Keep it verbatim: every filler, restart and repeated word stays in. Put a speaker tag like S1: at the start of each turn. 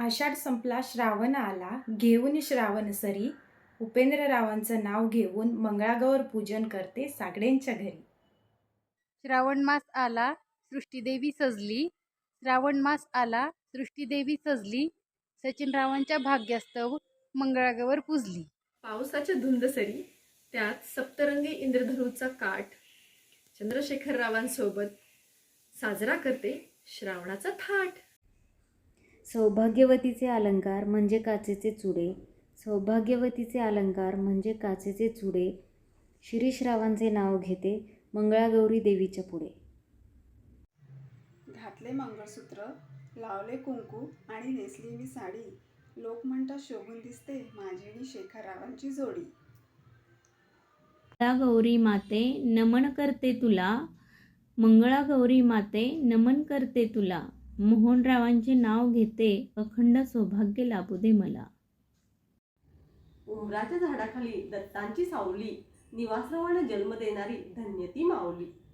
S1: आषाढ संपला श्रावण आला, घेऊन श्रावण सरी, उपेंद्ररावांचं नाव घेऊन मंगळागौर पूजन करते सागडेंच्या घरी.
S2: श्रावण मास आला सृष्टीदेवी सजली, श्रावण मास आला सृष्टीदेवी सजली, सचिनरावांच्या भाग्यास्तव मंगळागौर पूजली.
S3: पावसाच्या धुंद सरी, त्यात सप्तरंगी इंद्रधनुचा काठ, चंद्रशेखररावांसोबत साजरा करते श्रावणाचा थाट.
S4: सौभाग्यवतीचे अलंकार म्हणजे काचेचे चुडे, सौभाग्यवतीचे अलंकार म्हणजे काचेचे चुडे, शिरीषरावांचे नाव घेते मंगळागौरी देवीच्या पुढे.
S5: घातले मंगळसूत्र, लावले कुंकू आणि नेसली मी साडी, लोक म्हणतात शोभून दिसते माझी आणि शेखररावांची जोडी.
S6: मंगळागौरी माते नमन करते तुला, मंगळागौरी माते नमन करते तुला, मोहनरावांचे नाव घेते अखंड सौभाग्य लाभू दे मला.
S7: उमराच्या झाडाखाली दत्तांची सावली, निवासरवाने जन्म देणारी धन्य ती माऊली.